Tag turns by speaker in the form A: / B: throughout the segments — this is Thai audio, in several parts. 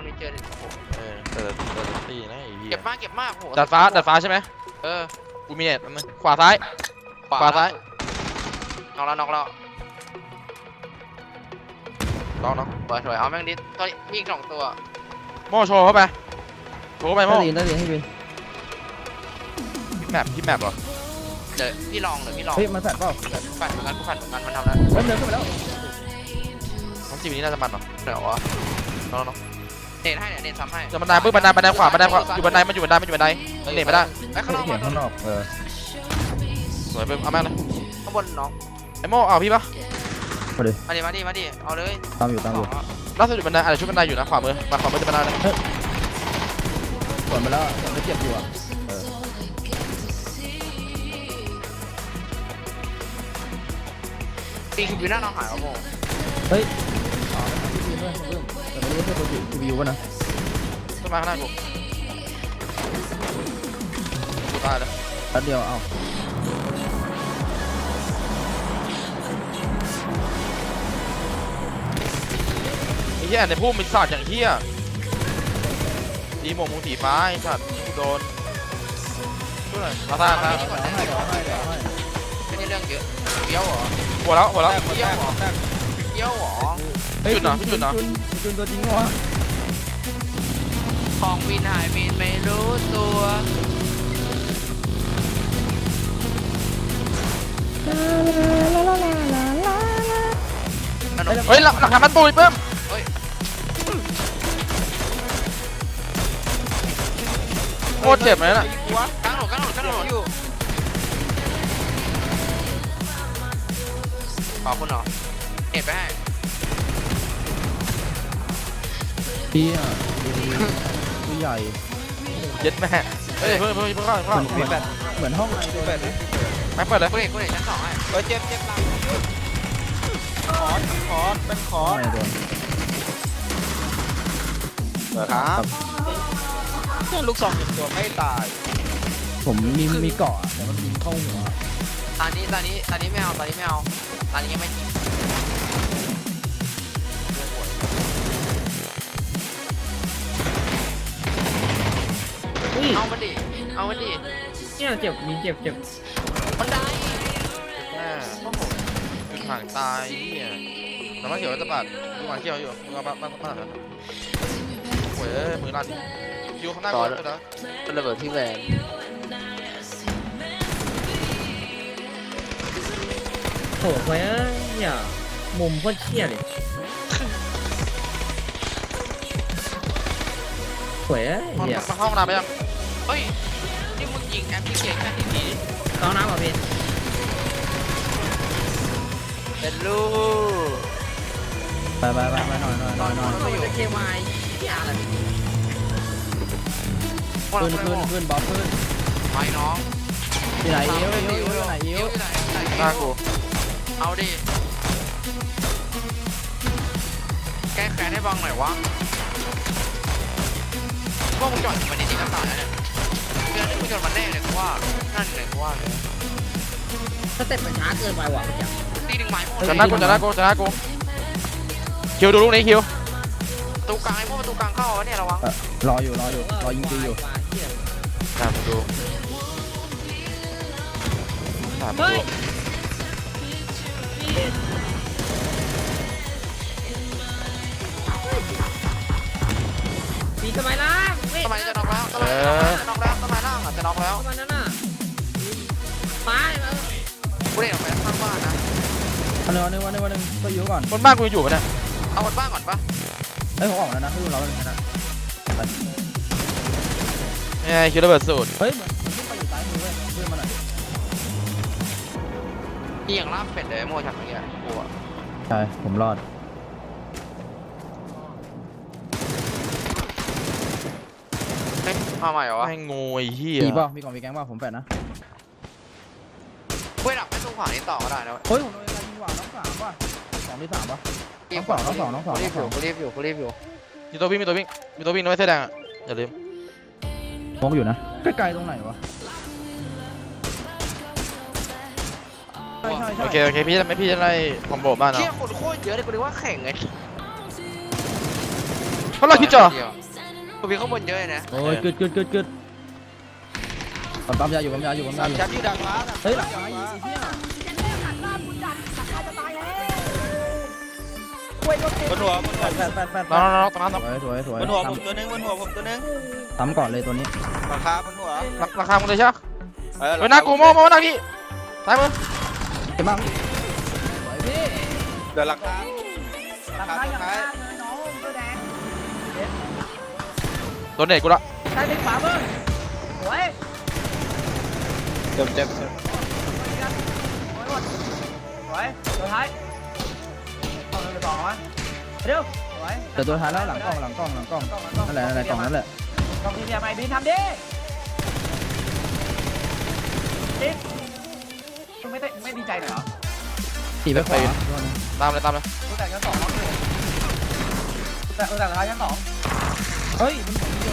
A: อบนี้เจอ
B: แต่ตีนะไอ้เหี้ย
A: เก็บมากโห
B: ดัดฟ้าใช่ไหมกูมีเน็ตมันขวาซ้าย
A: น็อกแล้วน้องสวยเอาแม่งดิตัวมีอีก2ตัว
B: โม่โชว์เข้าไปโม่
C: ได้ดีให้บิน
B: พี่แมปเหรอ
A: เดี๋ยวพี่ลอง
C: เฮ้ยมันแฟดเปล่า
A: กูฝันเหมือนกันมันทำแล้ว
C: เริ่มเดินขึ้นไปแล้ว
B: น้องจีบนี้น่าจะมันเหรอ
A: เดี๋ยววะ
B: น้อง
A: เน็ตให้เนี่ยเน็ตซ้ำให้
B: จะบันไดปึ๊บบันไดขวาอยู่บันไดมันอยู่บันไดเน็ตไม่ได้
A: ไอ้ข้างนอก
B: สวยปึ๊บเอาแม่เลย
A: ข้างบนน้อง
B: ไอ้โม่เอาพี่ปะ
A: มาดิเอาเลย
C: ตามอยู่
B: ล่าสุดอยู่บันไดอะไรชุดบันไดอยู่นะขวามือจะบันไดเลย
C: ส่วนไปแล้วไม่เจ็บอยู่อ่ะ
A: ตีคือวิวหน้าน้องหายแล้วโม
C: เฮ้ยแต่ไม่รู้ใช่ตัวจิ๋ววิวป่ะนะ
B: ต้นไม้ข้างหน้ากูตายเลย
C: แป๊บเดียวเอา
B: ไอ้เหี้ยในพุ่มมีสัตว์อย่างเหี้ยดีหมวกมุงสีฟ้าไอ้สัตว์โดนช่วยมาซ่า
A: ไม่ได้เรื่องเยอะเกี้ยวเหรอ
B: หัวแล้ว
A: เกี้ยวเหรอ
B: จุดเนาะ
C: จุนตัวจริงวะ
A: ของวินหายวินไม่รู้ตัว
B: เฮ้ยหลักฐานมันปุยเพิ่มโคตรเจ็บเลยน่ะ
A: กลางถนนอยู่ขอบคุณเหรอเอ็ดไปให้
C: พี่อ่ะผู้ใหญ่
B: เย็ดแม่เฮ้ยเพิ่มเข้า
C: เหมือนห้องไหนตัวแบบนี้
B: ไม่เปิดเลย
A: กูเด็กชั้น2ให้เจ็บหลังขอเป็นขอ
B: ครับ
A: เพื่อนลูก2 1ตัวไม่ตาย
C: ผมมีเกาะแต่มันยิงเข้าหัว
A: ตอนนี้ไม่เอาตอนนี้ยังไม่จริงเอามันดิ
C: เนี่ยเจ็บ
A: มันได้
B: แม่จุดห่างตายเนี่ยน้ำมันเขียวจะปัดดูหางเขียวอยู่มึงเอาบ้านนะโว้ยมือลั่นคิวข้างหน้าก่อนนะ
A: เป็นระเบิดที่แรง
C: โหดไปเนี่ยมุมโคตรเชี่ยเลยสวย
B: เนี่ยมาเข้าห้องน้ำไปยัง
A: เฮ้ยนี่มึงยิงแอปพลิเคชันดี
C: ๆเข้าน้ำป่ะพี่
A: เป็นลูก
C: ไปหน่อย
A: จะเคมายที่อะไร
C: ขึ้นบอสขึ้น
A: ไปน้อง
C: ที่ไหนเอว
B: หน้ากู
A: เอาดิแก้แค้นให้บังหน่อยวะพวกมึงจอดมันนี่ก็ตายแล้วเนี่ยเรื่องที่มึงจอดมันแน่เลยว่านั่นเลยว่าเลย
C: สเต็ปมันช้าเกินไปว่ะ
A: ตีดึงไม้หมด
B: จะหน้ากูคิวดูลูกนี้คิว
A: ตูกลางไอ้พวกประตูกลางเข้าเนี่ยระวัง
C: รอยิงตีอยู่
B: ตามดู
C: มีทำไมล่ะ
A: ทำไมจะน็อกแล้วทำไมล่างจะน็อกแล้ว
C: มันนั่นน่ะไป
A: กูเด็กออกไปข้างบ้านนะ
C: วันนึงก็อยู่ก่อน
B: บนบ้านกูอยู่ปะเนี่ย
A: เอาบนบ้านก่อนปะ
C: เฮ้ยผมออกแล้วนะให้ดูเราเป็นไงนะ
B: เนี่ยคิวระเบิดสูตร
C: เฮ้ยมันขึ้นไปอยู่ซ้ายมือเว้ยเพื่อนมาหน่อย
A: นี่อย่างลาบเป็ดเลยโม่ชักอย่างเงี้ยกูอ่ะ
C: ใช่ผมรอด
A: มาใหม่เหรอวะ
B: ให้งูไอ้เหี้ย
C: มีป่ะมีกล่องมีแกงป่ะผมแปดนะ
A: เว้ยดับไม่ตรงขวานี้ต่อก็ได้นะ
C: เฮ้ยผมโดนอะไรยิงหวานน้อง3ป่ะ2 ที่ 3ป่ะน้อง2
A: กูรีบอยู่
B: มีตัววิ่งน้อยเสื้อแดงอ่ะอย่าลืม
C: มองอยู่นะใกล้ๆตรงไหนวะ
B: โอเคพี่จะไล่คอมโบบ้านเนาะ
A: เชี่ยคนโคตรเยอะเลยกูนึกว่าแข่งไง
B: เขาไล่คิดจ่อ
A: กูมีข้างบนเยอะเลยนะ
C: โอ้ยกึดปั๊มยาอยู่ปั๊มยาอยู่
B: จับยืดดังฟ้า
C: เฮ้ยหลังไอ้เหี้ย
D: บนหัว
C: แปด
B: น้องตรงนั้น
C: สวย
D: บนหัวผมตัวนึงบนหัวผมตัวนึง
C: ทำก่อนเลยตัวนี้
D: ราคาบนหัว
B: ราคามึงเลยใช่ไหมเฮ้ยหน้ากูมองหน้าพี่ตายมึง
C: เจ็บมากพี่
D: เดี๋ยวราคาราคาสุดท้าย
B: โดนเน็ตกูละ
C: ใช่เป็นขวามือสวย
D: เจ็บ
C: สวยตัวท้ายต้องเลยต่อวะเร็วสวยแต่ตัวท้ายแล้วหลังกล้องนั่นแหละกล่องนั่นแหละ
E: กองทีเดียใหม่บินทำดิติ๊กมึงไม่ดีใจเหรอ
C: ตีไปขวา
B: ตามเลย
E: กูแต่งชั้นสองแต่ท้ายชั้นสอง
C: เฮ้ย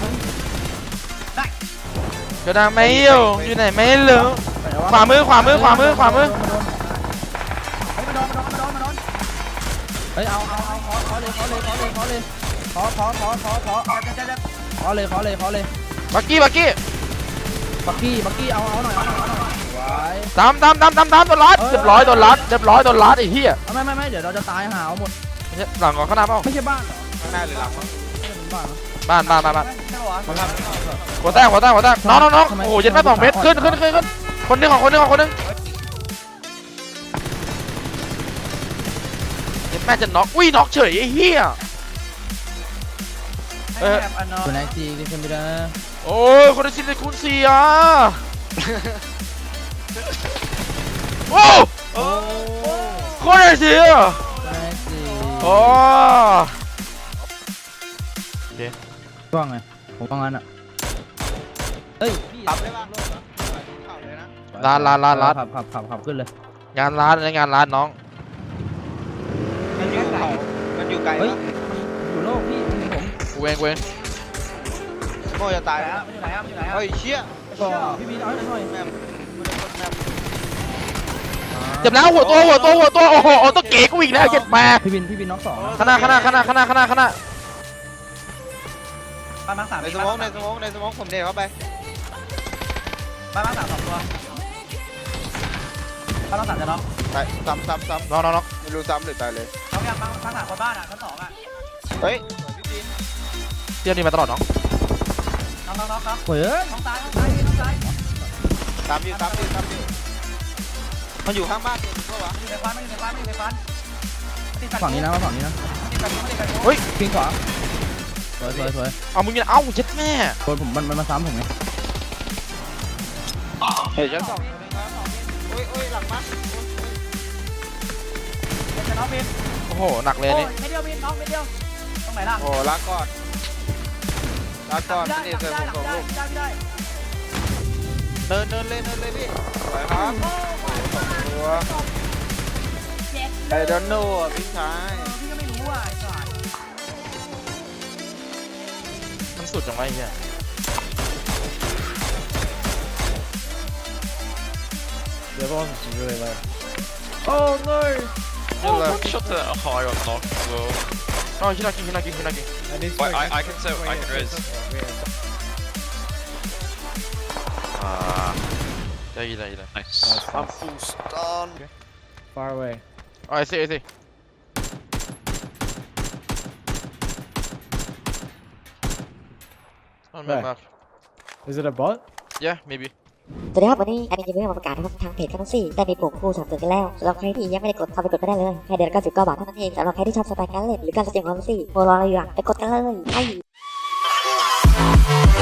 B: เดี๋ยวนะไม่อยู่ไหนไม่รู้ขวามือ
E: เฮ้ยมาโดน
C: เฮ้ยเอาขอเลยขอเลยขอเลย
B: บักกี้
C: บักกี้เอาหน่อยไว้
B: ตามโดนลัดเรียบร้อยโดนลัดไอ้เหี้ย
C: ไม่เดี๋ยวเราจะตายหาวหมด
B: หลังก่อนข้างหน้าเปล่า
C: ไม่ใช่บ้านเหรอ
D: ข้างหน้าหรือหลังวะ
C: บ้าน
B: บ้าน
E: ใช่ปะวะ
D: มันทำ
B: หัวแตกน้องโอ้โหยัดแม่2 เมตรขึ้นคนนึงยัดแม่จะน็อกอุ้ยน็อกเฉยไอ้เหี้ย
E: แบบอันนอ
C: ตัวไหนจีดิฉันไม่ได้
B: โอ้ยคนละชิ้นเลยคูณ4อ่ะโอ้
D: โอ้
B: คนละชิ้นอ่ะ
C: ตัวไหนจี
B: โอ้
C: ว่างไงผมว่างั้นอ่ะเฮ้ย
D: ขับได้ป่ะขับเลยนะ
B: ร้าน
C: ขับขึ้นเลย
B: งานร้านน้อง
D: มันอยู่เขามันอยู่ไกล
C: เฮ้ย
D: ปะ
C: อยู่โลกพี่ผม
B: กูเอง
D: โม่จะตายแล้ว
E: มันอยู่ไหนอ่ะมันอยู่ไหนอ่ะ
D: เฮ้ยเชี่ย
C: ก็พี่บีเอาหน่อย
D: แม่ไม่ได้กดแม่
B: เจ็บแล้วหัวตัวโอ้โหตัวเก๋กูอีกแล้วเจ็บแม่
C: พี่บินน็อกสอง
B: ข้างหน้า
E: บ้านมังสาม
D: ในสมองผมเด็กเข้าไป
E: บ้านมังสาม2 ตัวบ้านมังสามจะน็อก
D: ตายซ้ำ
B: น้อง
D: ไม่รู้ซ้ำหรือตายเลย
E: น็อกยังมังสามคนบ้านอ่ะชั้น2อ่ะ
D: เฮ้ยพี่จีน
B: เที่ยวนี้มาตลอดน้อง
E: น็อกครับ
C: เฮ้ย
E: น้องซ้าย
D: ซ้ำอยู่มันอยู่ข้างบ้านตัวนึงปะวะ
E: ไม่อยู่ในฟัน
C: ฝั่งนี้นะฝั่งนี้นะ
B: เฮ้ย
C: พิงขวาสวย
B: เอามึงยังเอ้าเจ็บแม่
C: คนผมมันมาซ้ำผมไง
D: เฮ้ยชั้น 2โอ้ยหลังบ้าน
E: จะน็อกบิน
B: โอ้โหหนักเลย
E: โอ้
B: นี่
E: ยไม่เดียวบินน็อกไม่เดียวตรงไหนล่ะ
D: โอ้ลาก่อนนี่เจอผมของลูก
E: ไม่ได้
D: เดินเลยพี่ไปครับตัวไอ้ดอนโน่พี่ชาย
E: พี่ก็ไม่รู้อ่ะไอ้สัส
B: มันสุดจังวะไอ้เหี้ย
C: โอ้เงย
B: นี่เลย
F: Shot the high on knock as well.
B: น้องคิดนักกิน
F: Wait, I can say I can raise.
B: ได้
F: Nice.
D: I'm full stun
C: far away
B: ไอ้สิมันแบบ
C: is it a bot
B: yeah maybe
G: สวัสดีครับวันนี้แอดมินจะมีเรื่องมาประกาศนะครับทางเพจคันซี่ได้มีปุ่มคู่สนับสนุนกันแล้วสำหรับใครที่ยังไม่ได้กดเข้าไปกดไม่ได้เลยแค่เดือนละ99 บาทเท่านั้นเองสำหรับใครที่ชอบสไตล์การเล่นหรือการแสดงความรู้สึกโปรรออะไรอยู่อ่ะไปกดกันเลย